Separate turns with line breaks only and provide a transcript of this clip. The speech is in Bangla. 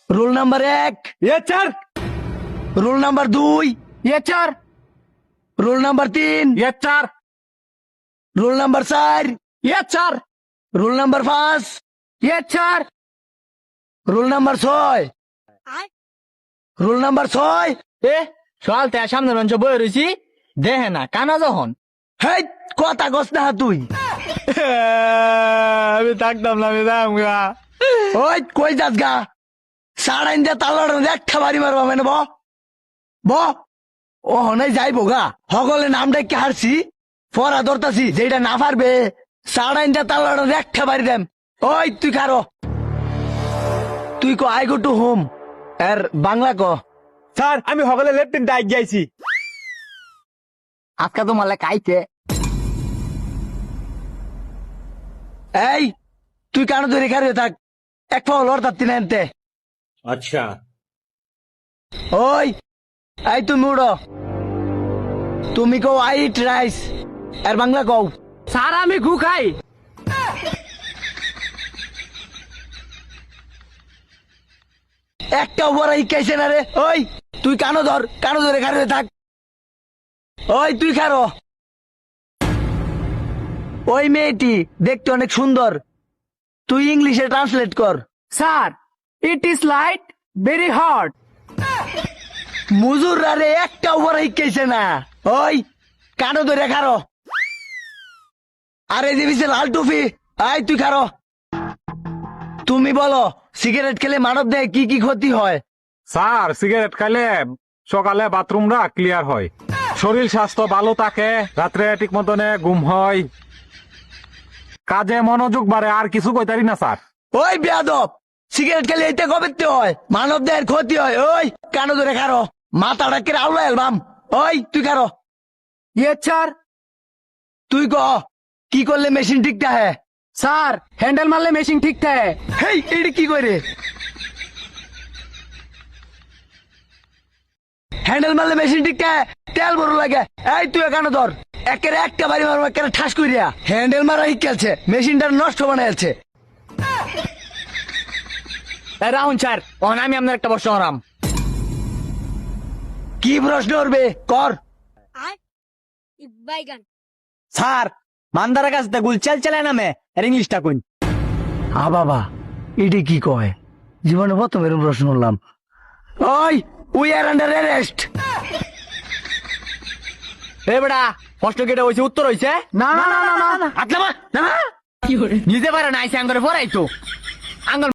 রুল নাম্বার 1,
ये चार
রুল নাম্বার 2,
ये चार
রুল নাম্বার 3,
ये चार
রুল নাম্বার 4,
ये चार
রুল নাম্বার 5,
ये चार
রুল নাম্বার 6, রুল নাম্বার 6।
এ সকাল থেকে সামনে রঞ্চ বয়ে রয়েছি দেখে না কানা যখন
হেই কথা কস না তুই।
আমি থাকতাম না আমি দাম গা
ওই কই যাস গা? সাড়াইন দিয়ে তালার একটা বাড়ি মারবা মানে ব ও হনাই যাইবো গা। সকলে নাম ডাকি হারছি, পড়া ধরতাছি, যেটা না পারবে সাড়াইন দিয়ে তালার একটা বাড়ি দেম। ওই তুই কারো তুই ক আই গো টু হোম এর বাংলা ক।
স্যার আমি সকালে লেফটেন ডাইক যাইছি
আজকে তো মালে কাইতে। এই তুই কেন ধরে খারে থাক, এক পাও লড় তাত্তি না এনতে।
আচ্ছা
ওই এই তুমি উড়ো, তুমি কও আই ইট রাইস এর বাংলা কও।
স্যার আমি গু খাই
একটা উপর শিখাইছে না রে। ওই তুই কানো ধরে খারে থাক। ওই তুই খারো। ওই মেয়েটি দেখতে অনেক সুন্দর, তুই ইংলিশে ট্রান্সলেট কর।
Sir it is light very hot
মুজুররা রে একটা উপর শিখাইছে না। ওই কানো ধরে খারো। আরে দিবিছে লাল টুপি, আই তুই খারো। তুমি বলো সিগারেট খেলে মানব দেহে কি কি ক্ষতি হয়?
স্যার সিগারেট খাইলে সকালে বাথরুমরা ক্লিয়ার হয়, শরীর স্বাস্থ্য ভালো থাকে, রাত্রে ঠিক মতনে ঘুম হয়, কাজে মনোযোগ বাড়ে, আর কিছু কইতারি না স্যার।
ওই বেয়াদব, সিগারেট খেলে এইটা কবে হয়? মানব দেহের ক্ষতি হয়। ওই কানো ধরে খারো, মাথাটা কেটে আউলা এলবাম। ওই তুই খারো।
ইয়ে স্যার
তুই ক কি করলে মেশিন ঠিকটা হ্যাঁ?
স্যার হ্যান্ডেল মারলে মেশিন ঠিক থাকে
হেই এটা কি করে? হ্যান্ডেল মারলে মেশিন ঠিকটা তেল বড় লাগে। এই তুই এখানে ধর, একেরে একটা বাড়ি মারবো, একেরে ঠাস করিয়া হ্যান্ডেল মারা শিখেছে, মেশিনটা নষ্ট বানাইছে।
রাহুন স্যার অন আমি আপনার একটা প্রশ্ন করাম
কি প্রশ্ন করবে কর।
বাইগান
স্যার মান্দারের কাছে গুল চাল চালায় নামে এর ইংলিশটা কইন
বাবা এটি কি কয়? জীবনে প্রথম এরকম প্রশ্ন করলাম। ওই উই আর আন্ডার অ্যারেস্ট।
এ বেটা প্রশ্ন কেটে হয়েছে উত্তর হয়েছে
না না না না না
আতলামা না নিজে পারে না আইসে আঙ্গরে পড়াইতো আঙ্গর